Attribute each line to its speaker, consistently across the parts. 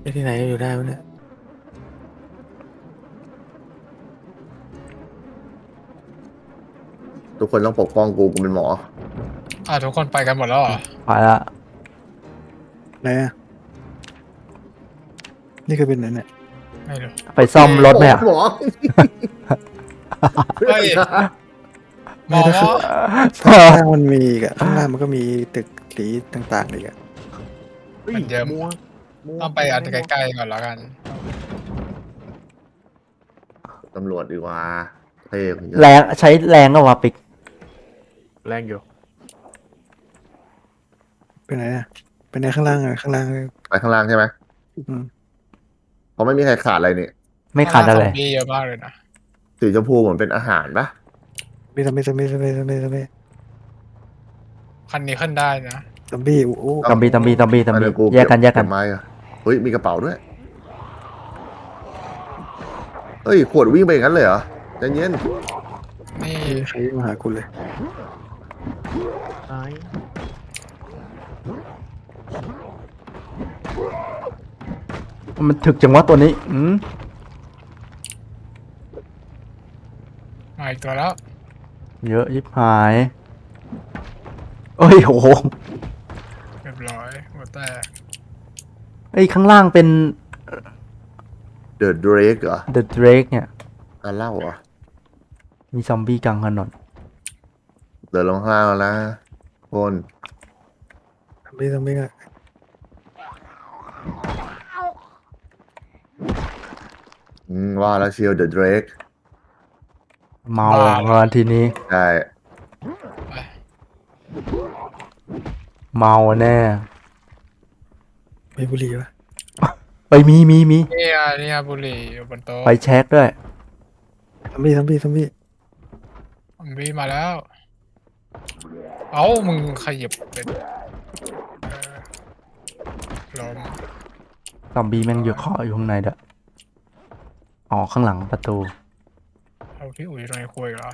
Speaker 1: ที่ไหนก็อยู่ได้วะเนี่ย
Speaker 2: ทุกคนต้องปกป้องกูเป็นหมอ
Speaker 3: ทุกคนไปกันหมดแล้วเหรอ
Speaker 4: ไปละ
Speaker 1: ไหนอ่ะนี่คือเป็นไหนเนี่ย
Speaker 3: ไม่รู้
Speaker 4: ไปซ่อมรถไหมอ่ะ
Speaker 2: หมอ
Speaker 3: เฮ้ยหมอ
Speaker 1: ข้างล่างมันมีอีกอะข้างล่างมันก็มีตึกสีต่างๆอีกอะ
Speaker 3: มันเยอะต้องไปอันใกล้ๆก่อนแล้วกัน
Speaker 2: ตำรวจดีกว่าเท่ผม
Speaker 4: แรงใช้แรงก็ว่าปิก
Speaker 5: แรงอยู่
Speaker 1: เป็นไหนอะเป็นไหนข้างล่างอะข้างล่าง
Speaker 2: ไปข้างล่างใช่ไหม
Speaker 1: อืม
Speaker 2: เพราะไม่มีใครขาดอะไรนี่
Speaker 4: ไม่ขาดอะไร
Speaker 3: ซอมบี้เยอะมากเลยนะ
Speaker 2: สีชมพูเหมือนเป็นอาหารปะ
Speaker 1: มีซอมบี้ซอมบี้ซอมบี้ซอมบี้ซอมบี้
Speaker 3: คันนี้ขึ้นได้นะ
Speaker 1: ซอมบี้โอ้โห
Speaker 4: ตอมบี้
Speaker 2: อันนี้กู
Speaker 4: แยกกันแยกกัน
Speaker 2: เบไม้อะเฮ้ยมีกระเป๋าด้วยเฮ้ยขวดวิ่งไปอย่างนั้นเลยเหรอใจเย็น
Speaker 3: นี่
Speaker 1: ใครมาหาคุณเลย
Speaker 5: ตาย
Speaker 4: มันถึกจังวะตัวนี้
Speaker 3: มาอีกตัวแล้ว
Speaker 4: เยอะยิบหายเอ้ยโอ้โห
Speaker 3: เรียบร้อยหัวแตก
Speaker 4: เอ้ยข้างล่างเป็น
Speaker 2: เดอะเดรกเหรอ
Speaker 4: The Drake เนี่ย
Speaker 2: การเล่าเหรอ
Speaker 4: มีซอมบี้กลางถนน
Speaker 2: เดินลงข้างล่างแล้วนะคน
Speaker 1: ซอมบี้ซอมบี้อะ
Speaker 2: ว่าแล้วเชียวเดอะเดรก
Speaker 4: เมาวันทีนี้
Speaker 2: ใช่
Speaker 4: เมาแน่
Speaker 1: มีบุหรี่ปะ
Speaker 4: เอ้ยมี
Speaker 3: นี่บุหรี่อยู่บนโต๊ะ
Speaker 4: ไปเช็คด้วย
Speaker 1: ซอมบี้ซอมบี้ซอมบี้
Speaker 3: ซอมบี้มาแล้ว เอ้ามึงขยับเป็นล้ม
Speaker 4: ซอมบี้แม่งอยู่เคาะอยู่ข้างในเด้ออ๋อข้างหลังประตู
Speaker 3: เอาพี่อุ๋ยตรงนี้คุยเหรอ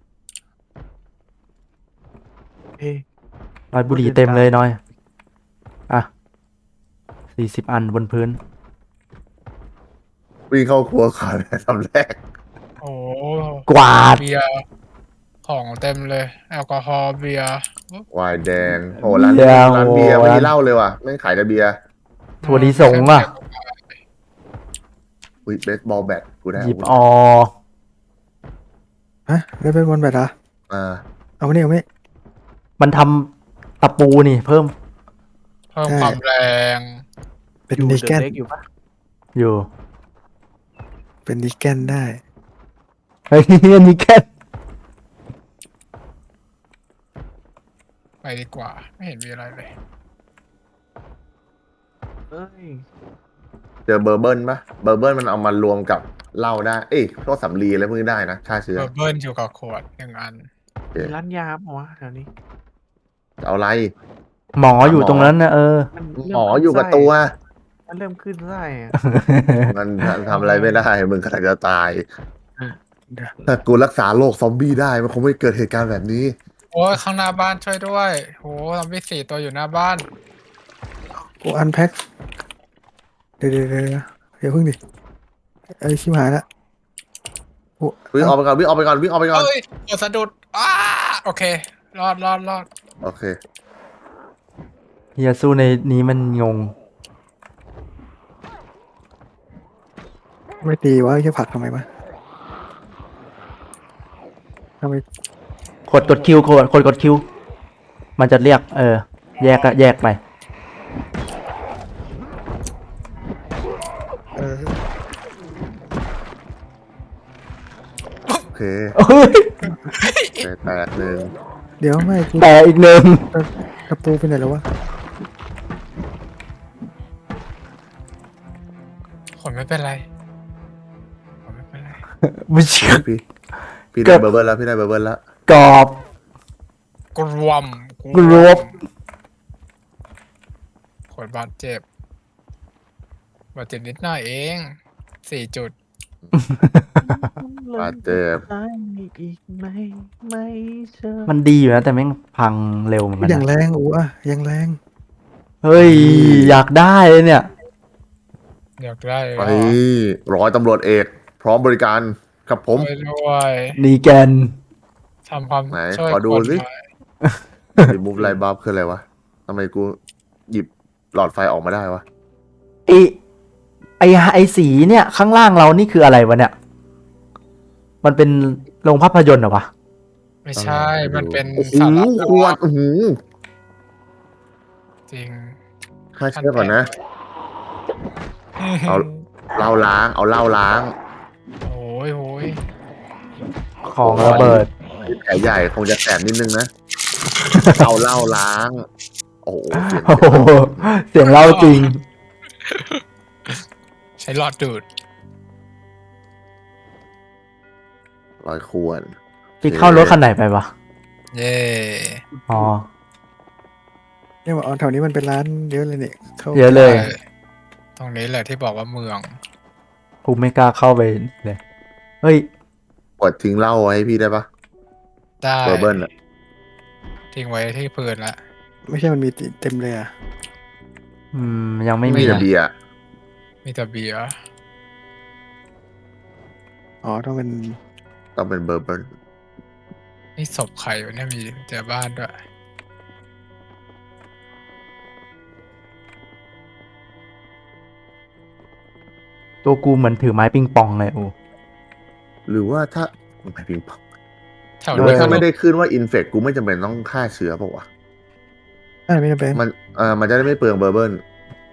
Speaker 5: เอ๊ะ
Speaker 4: รอยบุหรี่เต็มเลยน้อย อ่ะ40 อันบนพื้น
Speaker 2: วิ่งเข้าครัวก่อนทำแรก
Speaker 3: โอ้
Speaker 4: กวาด
Speaker 3: เบียร์ของเต็มเลย แอลกอฮอล์เบียร์
Speaker 2: ไวน์แดงโหร้านเบียร์ไม่มีเหล้าเลยว่ะไม่ขายแต่เบียร์
Speaker 4: ถั่วลิสงอ่ะ
Speaker 2: อุ้ยเบสบอลแบตกูได้
Speaker 4: หยิบ
Speaker 2: อาวุธ
Speaker 4: อ
Speaker 1: ฮะได้เป็นบอลแบตเหรอ
Speaker 2: อ่า
Speaker 1: เอามานี่เอามานี่
Speaker 4: มันทำตะปูนี่เพิ่ม
Speaker 3: เพิ่มความแรง
Speaker 1: เป็น
Speaker 5: อยู่
Speaker 1: นิ
Speaker 5: เด
Speaker 1: แก
Speaker 5: อะ
Speaker 1: น
Speaker 5: เล็กอยู่ปะ
Speaker 4: อยู่
Speaker 1: เป็นนิแกนได้
Speaker 4: เฮ้ยอันนี้แค่
Speaker 3: ไปดีกว่า ไม่เห็นมีอะไรเลย
Speaker 5: เอ้ย
Speaker 2: เจอเบอร์เบิลปะเบอร์เบิลมันเอามารวมกับเหล้าได้เอ้ยพวกสำลีอะไรพวกนี้ได้นะฆ่าเชื้อ
Speaker 3: เบิร์นอยู่กับขวดหนึ่งอัน
Speaker 5: มีร้านยาปะวะแถวนี้
Speaker 2: จะเอาอะไร
Speaker 4: หมออยู่ตรงนั้นนะ
Speaker 5: มันเริ่
Speaker 2: หมอ
Speaker 5: ขึ้น
Speaker 2: อยู่กับ
Speaker 5: ไส้
Speaker 2: ตัว
Speaker 5: มันเริ่มขึ้นไส้อะ
Speaker 2: มันทำอะไรไม่ได้มึงกำลังจะตาย
Speaker 1: เดี๋ยว
Speaker 2: ถ้ากูรักษาโรคซอมบี้ได้มันคงไม่เกิดเหตุการณ์แบบนี้
Speaker 3: โอ้ยข้างหน้าบ้านช่วยด้วยโหซอมบี้4 ตัวอยู่หน้าบ้าน
Speaker 1: กูอันแพ็คเดี๋ยวเพิ่งดิไอ้ชิบหายละโอ้
Speaker 2: วิ่งออกไปก่อนวิ่งออกไปก่อนวิ่งออกไปก่อน
Speaker 3: เฮ้ยกดสะดุดโอเค รอด
Speaker 2: โอเค
Speaker 4: เฮียสู้ในนี้มันงง
Speaker 1: ไม่ตีวะแค่ผลักทำไมวะทำไม
Speaker 4: กดคิวกดคิว มันจะเรียก แยกก็แยกไป
Speaker 1: เออ
Speaker 2: โอเค
Speaker 4: เฮ้ย
Speaker 2: แตกหนึ่ง
Speaker 1: เดี๋ยวไม่กู
Speaker 4: แต่อีกหนึ่ง
Speaker 1: กระปูไปไหนแล้ววะ
Speaker 3: คนไม่เป็นไรคนไม่เป็นไร
Speaker 4: ไม่เชื่อ
Speaker 2: พี่ได้เบอร์เบิลแล้วพี่ได้เบอร์เบิลแล้ว
Speaker 4: กรอบ
Speaker 3: กรวม
Speaker 4: กรวม
Speaker 3: คนบาดเจ็บบาดเจ็บนิดหน่อยเอง4 จุด
Speaker 2: บาดเจ็บ
Speaker 5: ตายอีกไหมไม่เชื่อ
Speaker 4: มันดีอยู่นะแต่แม่งพังเร็วเหมือนกัน
Speaker 1: อย่าง
Speaker 4: นะ
Speaker 1: แรงอูอ่ะอย่างแรง
Speaker 4: เฮ้ย อยากได้เลยเนี่ย
Speaker 3: อยากได้เลย
Speaker 2: ไป
Speaker 3: เหรอ
Speaker 2: ร้อยตำรวจเอก พร้อมบริการครับผม
Speaker 3: ช่วยด้วย
Speaker 4: นีแกน
Speaker 3: ทำความ
Speaker 2: ไหน
Speaker 3: ช่วย
Speaker 2: ขอดู
Speaker 3: คน
Speaker 2: สิ
Speaker 3: หน่อย
Speaker 2: รีมูฟไลท์บัฟคืออะไรวะทำไมกูหยิบหลอดไฟออกมาได้วะ
Speaker 4: ไอไอสีเนี่ย ข้างล่างเรานี่คืออะไรวะเนี่ย มันเป็นโรงภาพยนตร์เหรอวะ
Speaker 3: ไม่ใช่ มันเป็น
Speaker 2: โอ้โห
Speaker 3: สาระ
Speaker 2: ขวดอื้อหือ
Speaker 3: จริง
Speaker 2: ฆ่าเชื้อก่อนนะ เอา เหล้าล้าง เอาเหล้าล้าง
Speaker 3: โอ้ยโอ้ย
Speaker 4: ของระเบิด
Speaker 2: แผลใหญ่คงจะแสบนิดนึงนะ เอาเหล้าล้าง โอ้โหเสียง
Speaker 4: โอ้โห เสียงเล่าจริง
Speaker 3: ใช้หลอดดูด
Speaker 2: ร้อยขวด
Speaker 4: พี่เข้ารถคันไหนไปวะ
Speaker 3: เย่
Speaker 4: อ๋อ
Speaker 1: เนี่ยว่าอ๋อแถวนี้มันเป็นร้านเยอะเลยเนี่ยเข้า
Speaker 4: เยอะเลย
Speaker 3: ตรงนี้แหละที่บอกว่าเมือง
Speaker 4: กูไม่กล้าเข้าไปเลย เฮ้ย
Speaker 2: กดทิ้งเหล้าไว้ให้พี่ได้ปะ
Speaker 3: ได้
Speaker 2: เบอร์เบิร์นอะ
Speaker 3: ทิ้งไว้ที่พื้นละ
Speaker 1: ไม่ใช่มันมีเต็มเลยอ่ะ
Speaker 4: ยังไม่
Speaker 2: ไม่
Speaker 4: มี
Speaker 2: มีแต่เบียร์
Speaker 3: มีแต่เบียร์
Speaker 1: อ๋อต้องเป็น
Speaker 2: ต้องเป็นเบอร์เบิร์น
Speaker 3: นี่ศพใครวะเนี่ยมีแต่บ้านด้วย
Speaker 4: ตัวกูเหมือนถือไม้ปิงปองเลยโอ้
Speaker 2: หรือว่าถ้าไม่พิงปอง
Speaker 3: แถว
Speaker 2: หรือ
Speaker 3: นี้
Speaker 2: ว่า
Speaker 3: ก็
Speaker 2: ถ้าไม่ได้ขึ้นว่าอินเฟกกูไม่จำเป็นต้องฆ่าเชื้อเปล่าวะ
Speaker 1: ไม่จำเป็น
Speaker 2: มันจะได้ไม่เปลืองเบอร์เบิร์น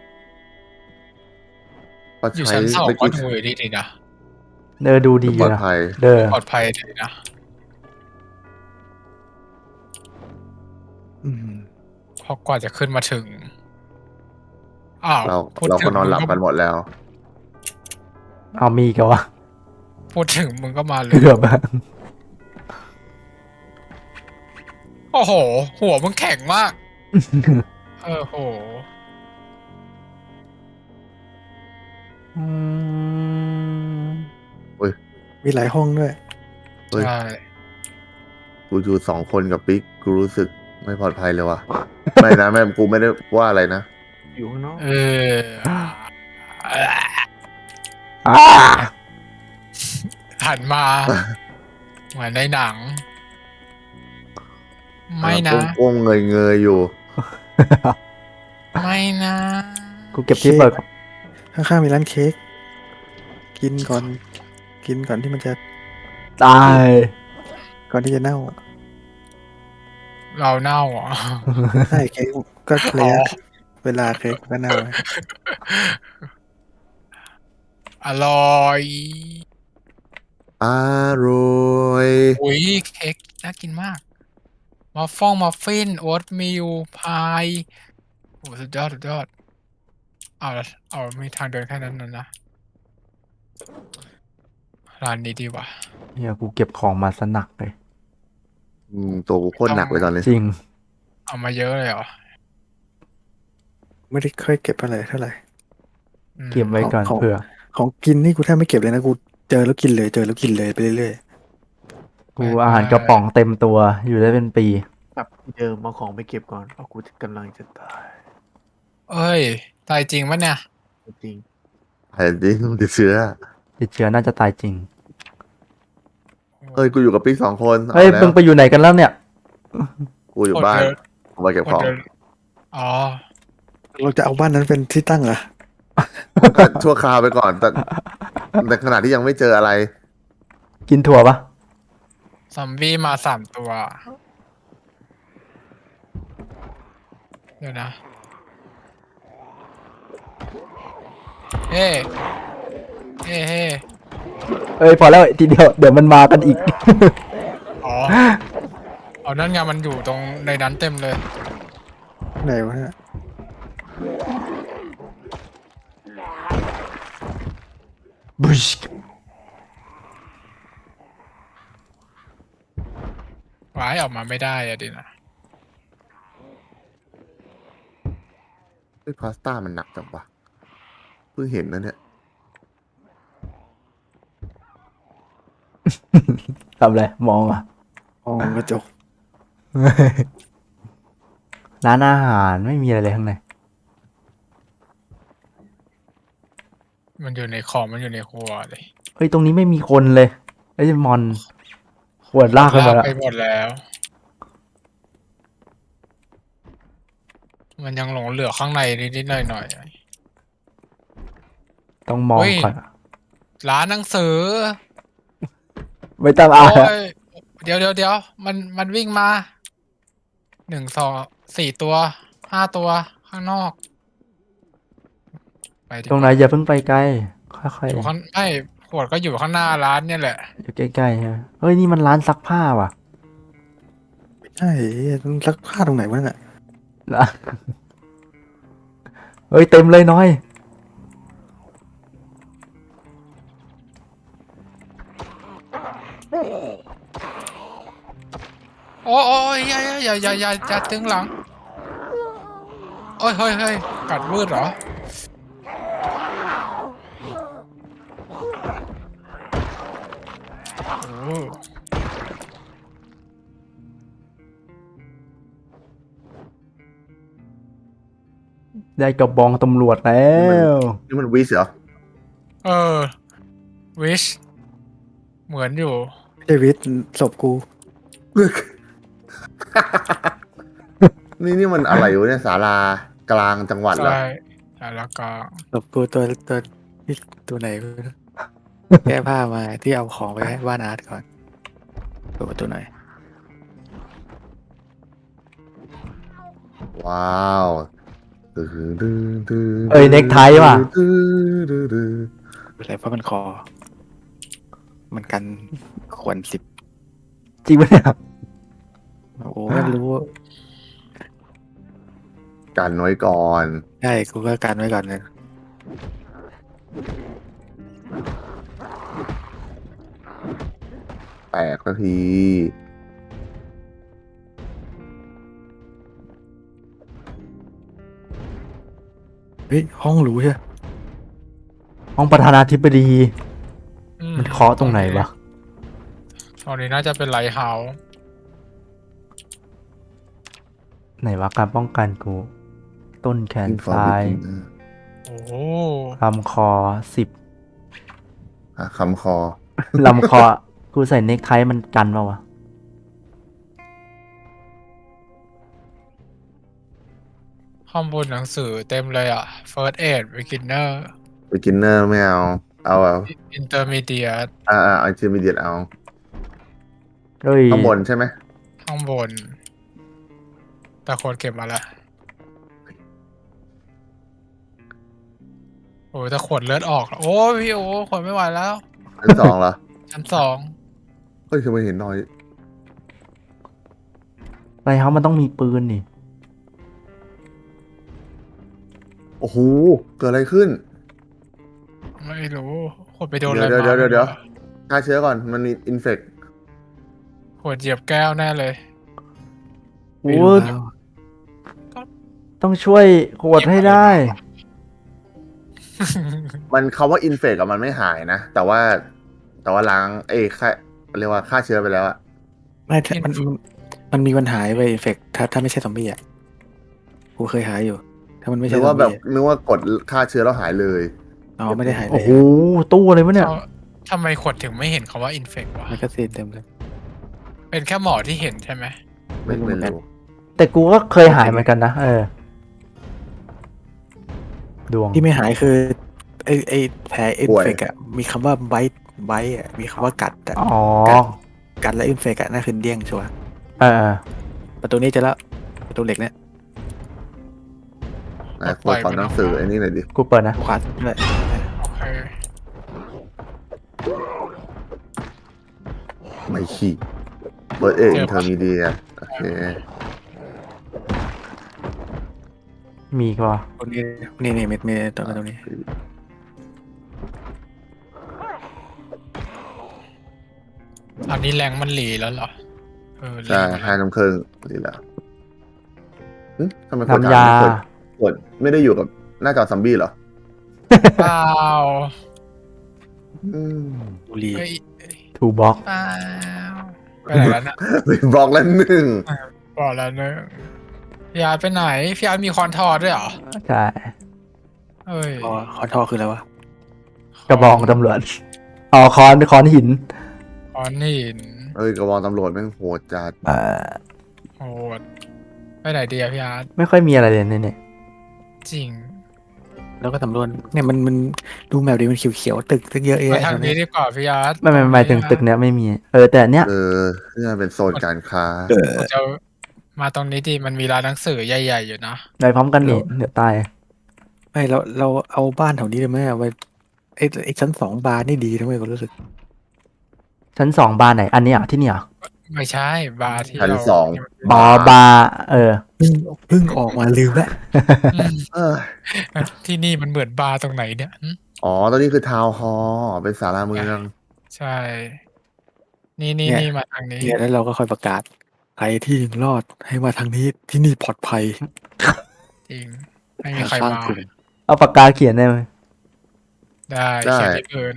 Speaker 2: ก็
Speaker 3: อยู่
Speaker 2: ใช้
Speaker 3: ชั้นสอง
Speaker 2: ไม่
Speaker 3: ก็
Speaker 2: กี่
Speaker 3: ดูดีๆนะ
Speaker 4: เดอดูดี
Speaker 2: ปลอด
Speaker 4: นะ
Speaker 2: ภัย
Speaker 4: เดอ
Speaker 3: ปลอดภัยดีนะ
Speaker 1: อืม
Speaker 3: เพราะกว่าจะขึ้นมาถึง อ้าว
Speaker 2: เรา
Speaker 3: พูด
Speaker 2: เรา
Speaker 3: ถึ
Speaker 2: ก็
Speaker 3: ง
Speaker 2: นอนหลับกันหมดแล้ว
Speaker 4: เอามีกันวะ
Speaker 3: พูดถึงมึงก็มาเลย
Speaker 4: เกือบอะ
Speaker 3: โอ้โห หัวมึงแข็งมาก โห
Speaker 4: อืม
Speaker 1: มีหลายห้องด้วย
Speaker 2: เฮ้ย
Speaker 3: ใช่
Speaker 2: กูอยู่2 คนกับปิ๊กกูรู้สึกไม่ปลอดภัยเลยว่ะ ไม่นะแม่กูไม่ได้ว่าอะไรนะ
Speaker 5: อยู่ข้างนอก
Speaker 3: เออ
Speaker 4: อ่า
Speaker 3: หันมา เหมือนในหนัง ไม่นะ
Speaker 2: ก้มๆเงยๆอยู่
Speaker 3: ไม่นะ
Speaker 4: กูเก็บที่เปิด
Speaker 1: ข้างๆมีร้านเค้กกินก่อนที่มันจะ
Speaker 4: ตาย
Speaker 1: ก่อนที่จะเน่า
Speaker 3: เราเน่าเหรอ
Speaker 1: ใช่เค้กก็ระยะเวลาเค้กก็เน่า
Speaker 3: อร่อย
Speaker 2: อร่อย
Speaker 3: อุ้ยเค้กน่ากินมาก มัฟฟิน โอ๊ตมิลพายโอ้สุดยอด สุดยอด เอามีทางเดินแค่นั้นนะ ร้านนี้ดีว่ะ
Speaker 4: เฮียกูเก็บของมาสนักเลย
Speaker 2: ตัวกูโคตรหนักเลยตอนนี้
Speaker 4: จริง
Speaker 3: เอามาเยอะเลยเหรอ
Speaker 1: ไม่ได้ค่อยเก็บอะไรเท่าไหร่
Speaker 3: อืม
Speaker 4: เก็บไว้ก่อน
Speaker 1: ของ
Speaker 4: เผื่อ
Speaker 1: ของกินนี่กูแทบไม่เก็บเลยนะกูเจอแล้วกินเลยไปเรื่อย
Speaker 4: กูอาหารกระป๋องเต็มตัว อยู่ได้เป็นปี
Speaker 5: กลับที่เดิมเอาของไปเก็บก่อนเพราะกูกำลังจะตาย
Speaker 3: เอ้ย ตายจริงปะเนี่ย
Speaker 5: จริง
Speaker 2: แผ่นดินติดเชื้อ
Speaker 4: ติดเชื้อน่าจะตายจริง
Speaker 2: เฮ้ย กูอยู่กับปิ๊ก2 คน
Speaker 4: เฮ้ย
Speaker 2: อาแล้ว
Speaker 4: มึงไปอยู่ไหนกันแล้วเนี่ย
Speaker 2: กูอยู่บ้านกูมาเก็บของ
Speaker 3: อ๋อ
Speaker 1: ๆเราจะเอาบ้านนั้นเป็นที่ตั้งเหรอ
Speaker 2: ก็ชั่วคราวไปก่อน แต่ในขณะที่ยังไม่เจออะไร
Speaker 4: กินถั่วปะ
Speaker 3: ซอมบี้มา3 ตัว เดี๋ยวนะ เฮ้เฮ้
Speaker 4: เอ้ยพอแล้วทีเดียวเดี๋ยวมันมากันอีก
Speaker 3: อ๋อ เอานั่นไงมันอยู่ตรงในนั้นเต็มเลย
Speaker 1: ไหนวะเนี่ย
Speaker 4: บุช
Speaker 3: ว้ายออกมาไม่ได้อะดินะ
Speaker 2: เฮ้ยพาสต้ามันหนักจังวะเพิ่งเห็นนะเนี่ย
Speaker 4: ทำอะไรมองอ่ะ
Speaker 1: อ๋อกระจก
Speaker 4: ร้านอาหารไม่มีอะไรเลยข้างใน
Speaker 3: มันอยู่ในของมันอยู่ในครัวเลย
Speaker 4: เฮ้ยตรงนี้ไม่มีคนเลยไอ้มอนขวดลากไปหมดละ
Speaker 3: ไปหมดแล้ว มันยังหลงเหลือข้างในนิดๆหน่อย
Speaker 4: ต้องมอง
Speaker 3: เฮ้ย
Speaker 4: ก่อน
Speaker 3: ๆร้านหนังสือ
Speaker 4: ไม่ต้อง
Speaker 3: โอ้
Speaker 4: อ่าน
Speaker 3: ยเดี๋ยวมันวิ่งมา1 2 4 ตัว5 ตัวข้างนอกไปดีก
Speaker 4: ตรง
Speaker 3: ว่า
Speaker 4: ไหนอย่าเพิ่งไปไกลค่อย
Speaker 3: อยู่ข้างไม่ขวดก็อยู่ข้างหน้าร้านเนี่ยแหละ
Speaker 4: ๆอยู่ใกล้ๆฮะเฮ้ยนี่มันร้านซักผ้าว่ะ
Speaker 1: ใช่ต้องซักผ้าตรงไหนวะน่ะ
Speaker 4: นะเฮ้ยเต็มเลยน้อย
Speaker 3: โอ้ยอย่าตึงหลังโอ้ยเฮ้ยกัดวืดเหรอโอ้
Speaker 4: ได้กระบองตำรวจแล้ว
Speaker 2: นี่มันวิสเหรอ
Speaker 3: วิชเหมือนอยู่
Speaker 1: เดวิดศพกู
Speaker 2: นี่มันอะไรวะเนี่ยศาลากลางจังหวัดเหรอ
Speaker 3: ใช่แล้วก็
Speaker 1: ศพกูตัวไหนวะแก้ผ้ามาที่เอาของไปให้บ้านอาร์ตก่อนตัวไหน
Speaker 2: ว้าว
Speaker 4: เอ้ยเน็กไทว่ะ
Speaker 1: อะไรเพราะมันคอ มันกันขวน10
Speaker 4: จริงปะเนี่ย
Speaker 1: โอ้ไม่รู้
Speaker 2: กันไว้ก่อน
Speaker 1: ใช่กูก็กันไว้ก่อนเลย
Speaker 2: แตกสักที
Speaker 1: เฮ้ยห้องหรูใช่
Speaker 4: ห้องประธานาธิบดี มันเคาะตรงไหนวะ
Speaker 3: ตรงนี้น่าจะเป็นไลท์เฮาส์
Speaker 4: ไหนวะการป้องกันกู ต้นแขนซ้าย
Speaker 3: โอ้โห
Speaker 4: ลำคอ10
Speaker 2: คำคอ
Speaker 4: ลำคอ กูใส่เน็กไทมันกันเปล่าวะ
Speaker 3: ข้อมูลหนังสือเต็มเลยอ่ะ First Aid Beginner
Speaker 2: beginner ไม่เอา เอา
Speaker 3: Intermediate
Speaker 2: เอาintermediate เอา
Speaker 4: เฮ้ย
Speaker 2: ข้างบนใช่ไหม
Speaker 3: ข้างบน แต่คนเก็บมาละโอ้ยแต่ขวดเลือดออกแล้วโอ้ยพี่โอ้ขวดไม่ไหวแล้ว
Speaker 2: ชั้น 2เหรอ
Speaker 3: ชั้น 2
Speaker 2: เฮ้ยทำไมเห็นน้อย
Speaker 4: อะไรเขามันต้องมีปืนนี่
Speaker 2: โอ้โห เกิดอะไรขึ้น
Speaker 3: ไม่รู้ขวดไปโดนอะไร
Speaker 2: เดี๋ยว
Speaker 3: มา
Speaker 2: เดี๋ยว ฆ่าเชื้อก่อน มันมีอินเฟก
Speaker 3: ขวดเหยียบแก้วแน่เลย
Speaker 1: ไม่รู้แล้ว
Speaker 4: ต้องช่วยขวดให้ได้
Speaker 2: มันคำว่าอินเฟกอะมันไม่หายนะ แต่ว่าล้างค่าเรียกว่าฆ่าเชื้อไปแล้วอะ
Speaker 1: ไม่ถ้ามันมีปัญหาไปเอฟเฟกถ้าไม่ใช่ซอมบี้อ่ะกูเคยหายอยู่ ถ้ามันไม่
Speaker 2: นึ
Speaker 1: ใช่
Speaker 2: ก
Speaker 1: ซอ
Speaker 2: ว่าม แบบ
Speaker 1: บี้
Speaker 2: นึกว่ากดฆ่าเชื้อแล้วหายเลย
Speaker 1: อ๋อไม่ได้หายเล
Speaker 4: โอ้
Speaker 1: ย
Speaker 4: โห ตู้อะไรวะเนี่ย
Speaker 3: ทำไมขวดถึงไม่เห็นคำว่า infect วะ
Speaker 1: มันก็ซีนเต็มเลย
Speaker 3: เป็นแค่หมอที่เห็นใช่ไหม
Speaker 2: ไม่
Speaker 1: ไม่รู้เหมือนกัน
Speaker 2: รู้
Speaker 4: แต่กูก็เคยหายเหมือนกันนะ ดวง
Speaker 1: ที่ไม่หายคือไอแผลเอฟเฟกอ่ะมีคำว่าไบต์อ่ะมีคำว่ากัดอ่ะ
Speaker 4: อ๋อ
Speaker 1: กัดและเอฟเฟกอ่ะนั่นคือเดี้ยงชัวร์
Speaker 4: เออ
Speaker 1: ประตูนี้เจะแล้วประตูเหล็กเนี่ย
Speaker 2: ขอหนังสือไอ้นี่หน่อยดิ
Speaker 4: กูเปิดนะ
Speaker 1: ขวาด้วย
Speaker 3: โอเค
Speaker 2: ไม่ขี้เบิร์ดอินเทอร์มีเดียโอเค
Speaker 4: มีก็
Speaker 1: ตรงนี้นี่เม็ดตรงนี้
Speaker 3: อันนี้แรงมันหลีแล้วเหรอแร
Speaker 2: ใช่
Speaker 3: งมัน
Speaker 2: 5 น้ำครึ่งนี่แหละทำไมคน
Speaker 4: น้ำยา
Speaker 2: กดไม่ได้อยู่กับหน้าจอซัมบี้เหรอ
Speaker 3: เปล่า
Speaker 1: บุรี
Speaker 3: เฮ้ย
Speaker 4: ทูบ็อก
Speaker 3: เปล่าไปไหนแล้วนะ
Speaker 2: เป็นบล็อกแล้ว1
Speaker 3: บอกแล้วเนอะพี่อาร์ตไปไหนพี่อาร์ตมีคอนทอร์ด้วยเหรอ
Speaker 4: ใช่
Speaker 3: เอ้ย
Speaker 1: คอนท่อคืออะไรวะ
Speaker 4: กระบองตำรวจอ๋อค้อนหิน
Speaker 3: อ๋อนี่
Speaker 2: เอ้ยกระบองตำรวจแม่งโหดจัด
Speaker 3: โหดไปไหนดีอะพี่อาร์ต
Speaker 4: ไม่ค่อยมีอะไรเลยเนี่ย
Speaker 3: จริง
Speaker 1: แล้วก็สำรวจเนี่ยมันดูแมวดีมันเขียวๆตึกเยอะ
Speaker 3: ไป
Speaker 1: แยะ
Speaker 3: ทาง
Speaker 1: ตรง
Speaker 3: นี้
Speaker 1: นี้
Speaker 3: ดีกว่าพี่อาร์ต
Speaker 4: ไม่หมายถึงตึกเนี้ยไม่มี แต่เนี้ย
Speaker 2: นี่มันเป็นโซนการค้า
Speaker 3: ผมจะมาตรงนี้ดีมันมีร้านหนังสือใหญ่ๆอยู่นะ
Speaker 4: ไปพร้อมกันนี่เดี๋ยวตาย
Speaker 1: ไม่เราเอาบ้านแถวนี้เลยไหมเอาไว้ไอ้ชั้น2 บาร์นี่ดีนะเว้ยก็รู้สึก
Speaker 4: ชั้น2บาร์ไหน อันนี้อ่ะที่เนี่ยเหรอ
Speaker 3: ไม่ใช่บาร์ที่
Speaker 2: ชั้น
Speaker 3: เรา
Speaker 2: สอง
Speaker 4: บาร์
Speaker 1: เพิ่งออกมาลืมแล้ว
Speaker 3: อืม
Speaker 2: เออ
Speaker 3: ที่นี่มันเหมือนบาร์ตรงไหนเนี่ยหึ
Speaker 2: อ๋อตอนนี้คือทาวน์ฮอลล์เป็นศาลาเมือง
Speaker 3: ใช่ นี่มาทางนี้
Speaker 1: เนี่ยแล้วเราก็ค่อยประกาศใครที่ยังรอดให้มาทางนี้ที่นี่ปลอดภัย
Speaker 3: จริง ไม่มีใคร
Speaker 1: สร้าง
Speaker 3: มา
Speaker 1: กลุ่ม
Speaker 4: เอาปากกาเขียนได้ไหม
Speaker 3: ได้เขียนที่พื้น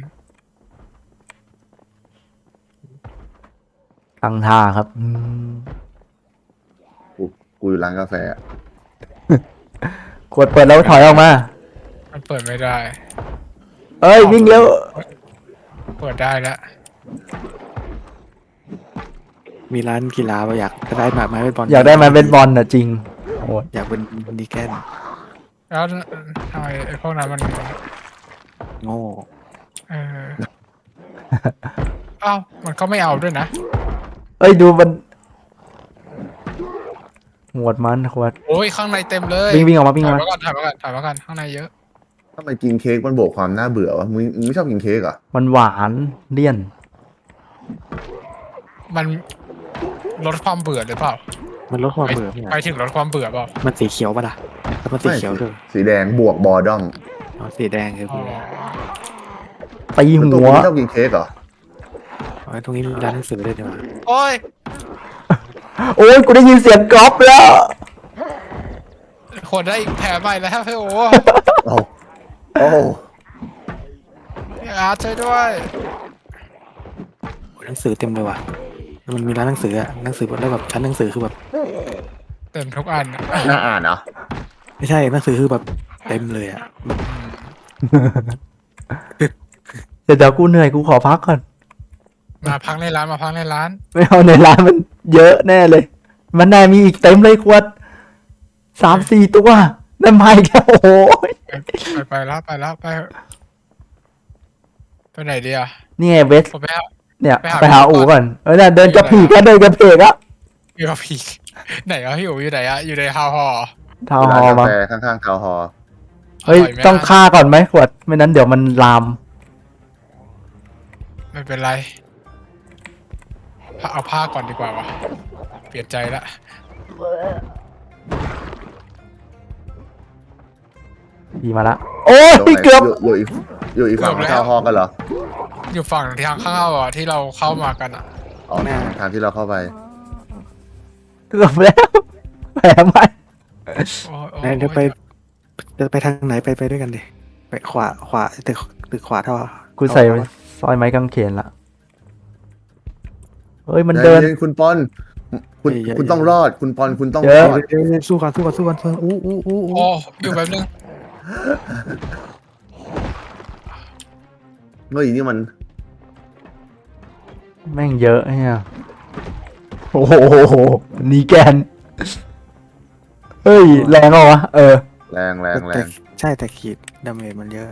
Speaker 4: ตั้งท่าครับ
Speaker 2: กูอยู่ร้านกาแฟอะ
Speaker 4: ขวดเปิดแล้วถอยออกมา
Speaker 3: มันเปิดไม่ได้
Speaker 4: เอ้ยวิ่งเร็ว
Speaker 3: เปิดได้แล้ว
Speaker 1: มีร้านกีฬาเราอยากได้ไม้เบสบอล
Speaker 4: อยากได้ไม้เบสบอลน่ะจริงโอ้
Speaker 1: อยากเป็นดีแกน
Speaker 3: แล้วทำไมไอ้พวกนั้นมัน
Speaker 1: โง่
Speaker 3: เออ อ้าวมันก็ไม่เอาด้วยนะ
Speaker 4: เอ้ยดูมันหวดมันขวด
Speaker 3: โอ้ยข้างในเต็มเลย
Speaker 4: วิ่งออกมาวิ่งอ
Speaker 3: ถ่า
Speaker 4: อย กมา
Speaker 3: มาก่อนถ่ายมาก่อนถ่ายมาก่อนข้างในเยอะ
Speaker 2: ทำไมกินเค้กมันบวกความน่าเบื่อวะมึงไม่ชอบกินเค้กเหรอ
Speaker 4: มันหวานเลี่ยน
Speaker 3: มันลดความเบื่อหรือเปล่า
Speaker 1: มันลดความเบื่อไม่
Speaker 3: ไป
Speaker 1: ได้
Speaker 3: ถึงลดความเบื่อเปล่า
Speaker 1: มันสีเขียวป่ะล่ะแล้วมันสีเขียวด้วย
Speaker 2: สีแดงบวกบอร์ดอม
Speaker 1: อ๋อสีแดงคือ
Speaker 3: อ๋อ
Speaker 4: ตี
Speaker 2: แล้ว
Speaker 4: หั
Speaker 2: ตัว
Speaker 4: ว
Speaker 2: มึงไม่ชอบกินเค้กเหรอ
Speaker 1: อ๋อตรงนี้มีร้านหนังสือด้วยดีกว่า
Speaker 3: โอ้ย
Speaker 4: โอ้ยกูได้ยินเสียงกรอบแล้ว
Speaker 3: ขวดได้อีกแผลใหม่แล้วพี่โอ้
Speaker 2: โอ้โอ้
Speaker 3: พี่อาร์ตช่วยด้วย
Speaker 1: หนังสือเต็มเลยว่ะมันมีร้านหนังสืออะหนังสือแล้วแบบชั้นหนังสือคือแบบ
Speaker 3: เต็มทุกอันอะ
Speaker 2: น่าอ่านเหรอ
Speaker 1: ไม่ใช่หนังสือคือแบบเต็มเลยอะ
Speaker 4: เดี๋ยวกูเหนื่อยกูขอพักก่อน
Speaker 3: มาพักในร้านมาพักในร้าน
Speaker 4: ไม่เอาในร้านมันเยอะแน่เลย มันแน่มีอีกเต็มเลยขวด3-4 ตัวนั่นมาอีกแล้วโอ้โห
Speaker 3: ไปแล้วไปแล้วไปเถอะไปไหนดีอ่ะ
Speaker 4: นี่ไงเวส
Speaker 3: ผมไปหา
Speaker 4: เนี่ย
Speaker 3: ไปหา
Speaker 4: ไปหา
Speaker 3: พี่
Speaker 4: อู่
Speaker 3: ก่
Speaker 4: ก่
Speaker 3: อ
Speaker 4: อน นเนี่ยเดินกระผีกเดินกระเพกอะ
Speaker 3: อยู่กับพี่ไหนอ่ะพี่อู๋อยู่ไหนอ่ะอยู่ในฮาวฮอ
Speaker 4: ทาวน์ฮ
Speaker 2: ร้า
Speaker 4: อน ล
Speaker 2: กา
Speaker 4: มั้ง
Speaker 2: แฟข้างๆทาวน์ฮอลล์
Speaker 4: เฮ้ย
Speaker 3: ร่ไหม
Speaker 4: ต้องฆ่าก่อนไหมขวดไม่นั้นเดี๋ยวมันลาม
Speaker 3: ไม่เป็นไรเอาผ้าก่อนดีกว่าวะเปลี่ยนใจละ
Speaker 4: ดีมาละโอ้ยเกือบ
Speaker 2: อยู่อีกฝั่งของทาวน์ฮอลล์กันเหรอ
Speaker 3: อยู่ฝั่งทางเข้าอ่ะที่เราเข้ามากันอ่ะ
Speaker 2: อ๋อทางที่เราเข้าไป
Speaker 4: เกือบแล้วแผลไหม
Speaker 3: โอ้ยโอ้ย
Speaker 1: ไหนเดี๋ยวไปทางไหนไปด้วยกันดิไปขวาตึกขวาเท่า
Speaker 4: กูใส่ซอยไม้กางเขนละเฮ้ยมันเดิน
Speaker 2: ใจย็คุณปอนคุณต้องรอดคุณปอนคุณต้อง
Speaker 4: เย
Speaker 2: ร
Speaker 4: อะ
Speaker 2: อด
Speaker 1: เดี๋ยวสู้กันอู้
Speaker 3: โอ้อยู่แบบนึง
Speaker 2: เฮ้ยนี่มัน
Speaker 4: แม่งเยอะเนี่ยโอ้โหนีแกนเฮ้ยแรงเหรอวะ
Speaker 2: แรงแรงแร
Speaker 1: แต่
Speaker 2: ง
Speaker 1: ใช่แต่ขีดดาเมจมันเยอะ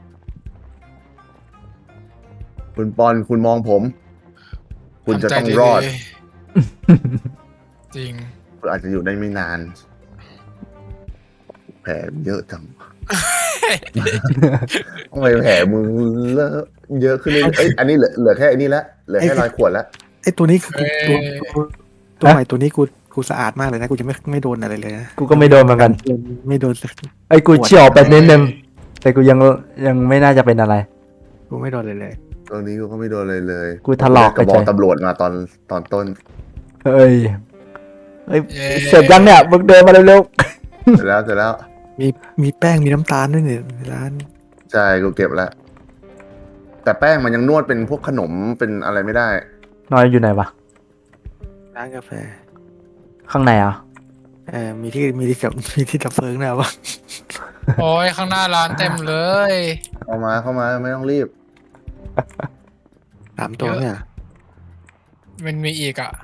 Speaker 2: คุณปอนคุณมองผม คุณจะต้องรอด
Speaker 3: ทำใจๆจริง
Speaker 2: คุณอาจจะอยู่ได้ไม่นาน แผลเยอะจังทำไมแผลมึงเลอะเยอะขึ้นเลยเอ้ยอันนี้เหลือแค่อันนี้ละเหลือแค่รอยขวดละ
Speaker 1: ไอ้ตัวนี้คือ
Speaker 3: เอ้ย
Speaker 1: ตัวใหม่ตัวนี้กูสะอาดมากเลยนะกูจะไม่โดนอะไรเลยนะ
Speaker 4: กูก็ไม่โดนเหมือนกัน
Speaker 1: ไม่โดนสัก
Speaker 4: ไอ้กูเฉี่ยวไปนิดนึงแต่กูยังไม่น่าจะเป็นอะไร
Speaker 1: กูไม่โดนเลย
Speaker 2: ตรงนี้กูก็ไม่โดนเลยเลย
Speaker 4: กูถลอก
Speaker 2: กระ
Speaker 4: ไป
Speaker 2: บ
Speaker 4: ใจ
Speaker 2: อกตำรวจมาตอนต้น
Speaker 4: เฮ้ยเฮ้ย
Speaker 3: เย้
Speaker 4: เสร็จยังเนี่ยมึงเดินมาเร็ว
Speaker 2: เสร็จแล้ว
Speaker 1: มีแป้งมีน้ำตาลด้วยเนี่ยในร้าน
Speaker 2: ใช่กูเก็บแล้ว แต่แป้งมันยังนวดเป็นพวกขนมเป็นอะไรไม่ได้
Speaker 4: ๆนอยอยู่ไหนวะ
Speaker 1: ร้านกาแฟ
Speaker 4: ข้างในอ่ะ
Speaker 1: มีที่ดับเพลิงนะวะ
Speaker 3: โอ้ยข้างหน้าร้านเต็มเลย
Speaker 2: เข้ามาไม่ต้องรีบ
Speaker 1: 3 ตัวเนี่ย
Speaker 3: มันมีอีกอ่ะ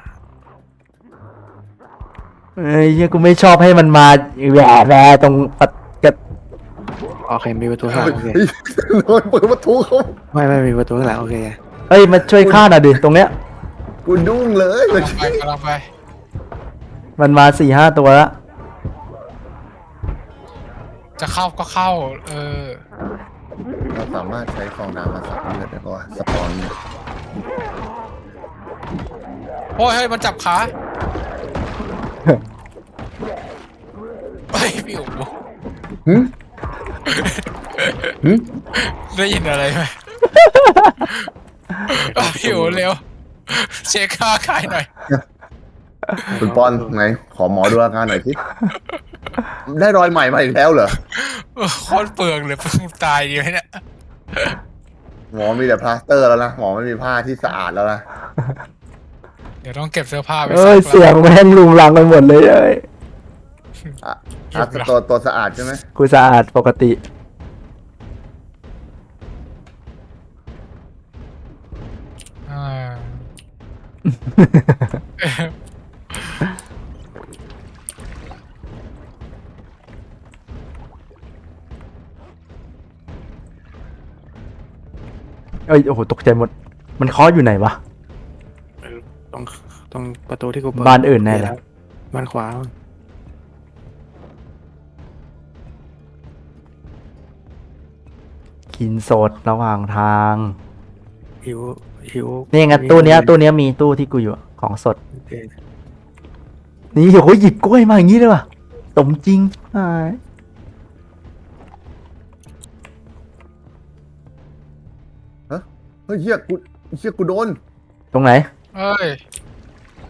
Speaker 4: เอ้ยเหี้ยกูไม่ชอบให้มันมาแหวตรงปัดกระ
Speaker 1: โอเคมีประตูข้างหลังโอเค
Speaker 2: โดนเปิดประตูเขา
Speaker 1: ไม่มีประตูข้างหลังโอเค
Speaker 4: เอ้ยมาช่วยฆ่าหน่อยดิตรงเนี้ย
Speaker 2: กูดุ้งเลยเมื่อกี้
Speaker 3: กำลังไป
Speaker 4: มันมา4-5 ตัวแล้ว
Speaker 3: จะเข้าก็เข้า
Speaker 2: เราสามารถใช้ฟองน้ำมาสับเลือดได้ปะวะสปอนเนี่ย
Speaker 3: โอ้ยเฮ้ยมันจับขาเฮ้ยพี่อู๋
Speaker 2: หึหึ
Speaker 3: ได้ยินอะไรไหมพี่อู๋เร็ว เช็คค่าขายหน่อย
Speaker 2: คุณปอนไหนขอหมอดูอาการหน่อยสิได้รอยใหม่มาอีกแล้วเหรอ
Speaker 3: โคตรเปลืองเลยเพิ่งตายดีไหมเนี่ย
Speaker 2: หมอมีแต่พลาสเตอร์แล้วนะหมอไม่มีผ้าที่สะอาดแล้วนะ
Speaker 3: เดี๋ยวต้องเก็บเสื้อผ้าไป
Speaker 4: เอ้ย
Speaker 3: ซัก
Speaker 4: เสียงแม่งลุงลังไปหมดเลยเอ้ย
Speaker 2: อ่ะตัวสะอาดใช่ไหม
Speaker 4: กูสะอาดปกติ
Speaker 3: อ่า
Speaker 4: เอ้ยโอ้โหตกใจหมด มันเคาะอยู่ไหนวะ
Speaker 1: ตรงประตูที่กูเปิด
Speaker 4: บ้านอื่นแน่เลย
Speaker 1: บ้านขวา
Speaker 4: กินสดระหว่างทาง
Speaker 1: หิว
Speaker 4: นี่ไงตู้เนี้ยมีตู้ที่กูอยู่อะของสด
Speaker 1: โอเค
Speaker 4: นี่โอ้โหหยิบกล้วยมาอย่างนี้เลยว่ะสมจริงอ่า
Speaker 2: เฮ้ยเฮียกูโดน
Speaker 4: ตรงไหน
Speaker 3: เอ้ย